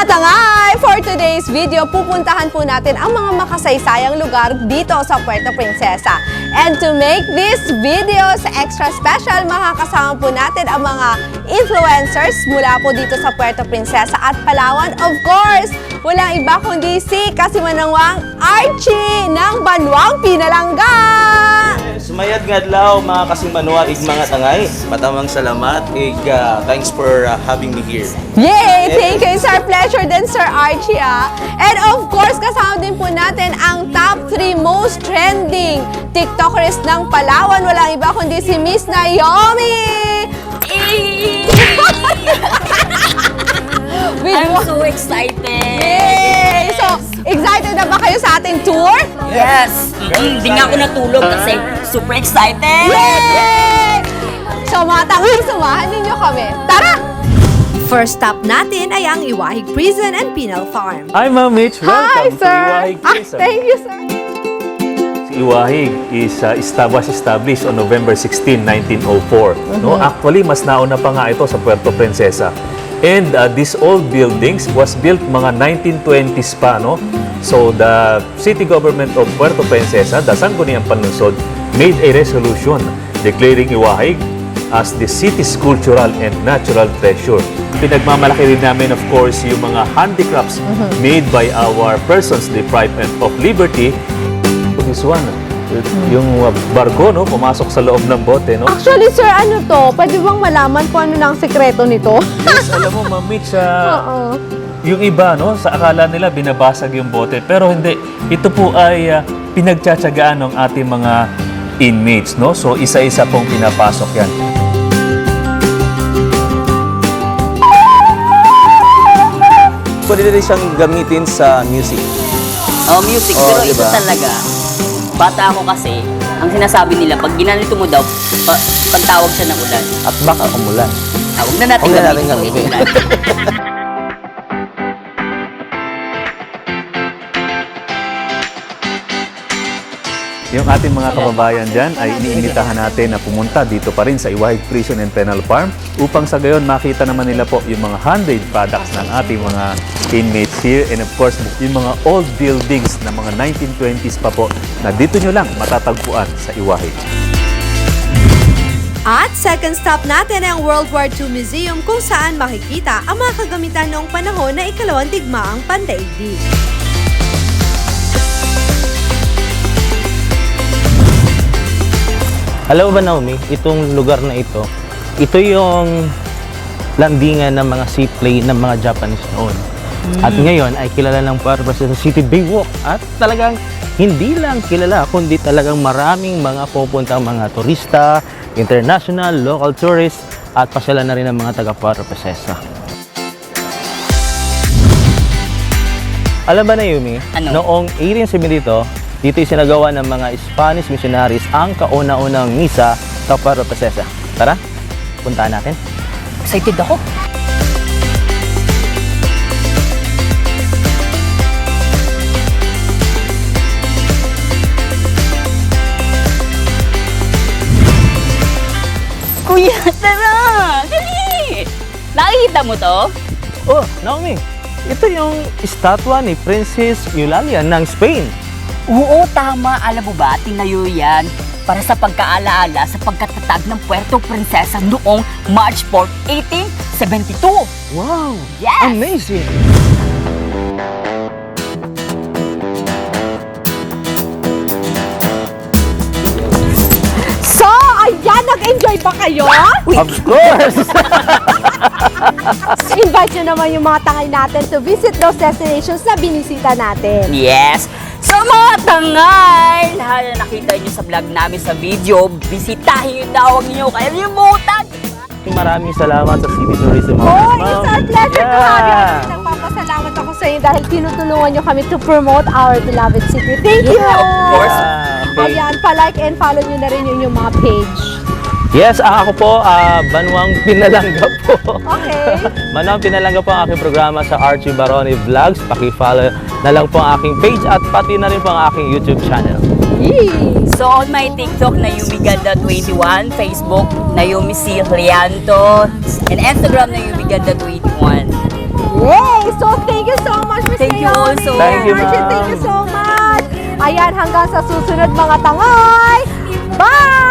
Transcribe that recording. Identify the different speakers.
Speaker 1: Tangay! For today's video, pupuntahan po natin ang mga makasaysayang lugar dito sa Puerto Princesa. And to make this videos extra special, makakasama po natin ang mga influencers mula po dito sa Puerto Princesa at Palawan. Of course, walang iba kundi si Kasimanawang Archie ng Banwang Pinalangga!
Speaker 2: Sumayad nga adlaw mga Kasimanwa ig mga tangay. Matamang salamat ig thanks for having me here.
Speaker 1: Yay! Thank you! It's our pleasure din, Sir Archie. And of course, kasama din po natin ang top 3 most trending TikTokers ng Palawan. Walang iba kundi si Miss Naomi!
Speaker 3: I'm so excited!
Speaker 1: Yay! So, excited na ba kayo sa ating tour?
Speaker 3: Yes! Hindi nga ako natulog kasi super excited!
Speaker 1: Yay! So, mga tangay, sumahan ninyo kami. Tara!
Speaker 4: First stop natin ay ang Iwahig Prison and Penal Farm.
Speaker 5: Hi, Ma'am Mitch.
Speaker 1: Hi,
Speaker 5: Welcome
Speaker 1: sir!
Speaker 5: to Iwahig Prison.
Speaker 1: Thank you, sir.
Speaker 5: Si Iwahig was established on November 16, 1904. No, actually, mas nauna pa nga ito sa Puerto Princesa. And these old buildings was built mga 1920s pa, no? So, the city government of Puerto Princesa, the Sangguniang Panlungsod, made a resolution declaring Iwahig as the city's cultural and natural treasure. Pinagmamalaki rin namin, of course, yung mga handicrafts made by our persons deprived of liberty. This one, yung barko, no, pumasok sa loob ng bote, no?
Speaker 1: Actually, sir, ano to? Pwede bang malaman kung ano na ang sekreto nito?
Speaker 5: Yes, alam mo, Ma'am Mitch,
Speaker 1: Oo.
Speaker 5: yung iba, no, sa akala nila binabasag yung bote, pero hindi. Ito po ay pinagtsatsagaan ng ating mga inmates, no? So, isa-isa pong pinapasok yan.
Speaker 2: Pwede rin siyang gamitin sa music.
Speaker 3: Oh, music.
Speaker 2: Oh,
Speaker 3: Pero
Speaker 2: diba?
Speaker 3: ito talaga, bata ako kasi, ang sinasabi nila, pag ginanito mo daw, pagtawag siya ng ulan.
Speaker 2: At baka umulan.
Speaker 3: Huwag na natin
Speaker 2: Huwag na natin
Speaker 3: gamitin.
Speaker 2: gamitin.
Speaker 5: Yung ating mga kababayan dyan ay iniimbitahan natin na pumunta dito pa rin sa Iwahig Prison and Penal Farm upang sa gayon makita naman nila po yung mga handmade products ng ating mga inmates here and of course yung mga old buildings na mga 1920s pa po na dito nyo lang matatagpuan sa Iwahig.
Speaker 4: At second stop natin ay ang World War II Museum kung saan makikita ang mga kagamitan noong panahon na ikalawang digmaang pandaigdig.
Speaker 6: Alam mo ba, Naomi, itong lugar na ito yung landingan ng mga seaplane ng mga Japanese noon. At ngayon ay kilala ng Puerto Princesa City Baywalk. At talagang hindi lang kilala, kundi talagang maraming mga pupuntang mga turista, international, local tourists, at pasyalan na rin ng mga taga Puerto Princesa. Alam ba, Naomi,
Speaker 3: Ano?
Speaker 6: noong 1872, dito isinagawa ng mga Spanish missionaries ang kauna-unang misa sa Puerto Princesa. Tara, puntahan natin.
Speaker 3: Excited ako. Kuya, tara! Dali! Nakikita mo to?
Speaker 6: Oh, Naomi, ito yung estatwa ni Princess Eulalia ng Spain.
Speaker 3: Oo, tama. Alam mo ba, tinayo yan para sa pagkaalaala sa pagkatatag ng Puerto Princesa noong March 4, 1872.
Speaker 6: Wow!
Speaker 3: Yes!
Speaker 6: Amazing!
Speaker 1: So, ayan, nag-enjoy ba kayo?
Speaker 6: Of course!
Speaker 1: Invite nyo naman yung mga tangay natin to visit those destinations na binisita natin.
Speaker 3: Yes! So mga tangay, lahat na nakita nyo sa vlog namin sa video, bisitahin nyo na, huwag nyo kalimutan!
Speaker 6: Maraming salamat sa City Tourism
Speaker 1: Oh,
Speaker 6: Office,
Speaker 1: it's
Speaker 6: ma'am.
Speaker 1: our pleasure to have you.
Speaker 6: Yeah.
Speaker 1: Nagpapasalamat ako sa inyo dahil tinutulungan nyo kami to promote our beloved city. Thank you!
Speaker 3: Yeah, of course.
Speaker 6: Okay.
Speaker 1: Ayan, pa-like and follow nyo na rin yung mga page.
Speaker 6: Yes, ako po, Banwang Pinalangga po.
Speaker 1: Okay.
Speaker 6: Banwang Pinalangga po ang aking programa sa Archie Baroni Vlogs. Paki-follow na lang po ang aking page at pati na rin po ang aking YouTube channel.
Speaker 1: Yee!
Speaker 3: So on my TikTok, Naomi Ganda 21, Facebook, Naomi C. Lianto, and Instagram, Naomi Ganda 21.
Speaker 1: Yay! So Thank you so much, Miss
Speaker 3: Thank you
Speaker 1: Naomi.
Speaker 3: also.
Speaker 5: Thank you,
Speaker 1: Archie,
Speaker 5: ma'am.
Speaker 1: thank you so much. Ayan, hanggang sa susunod mga tangay. Bye!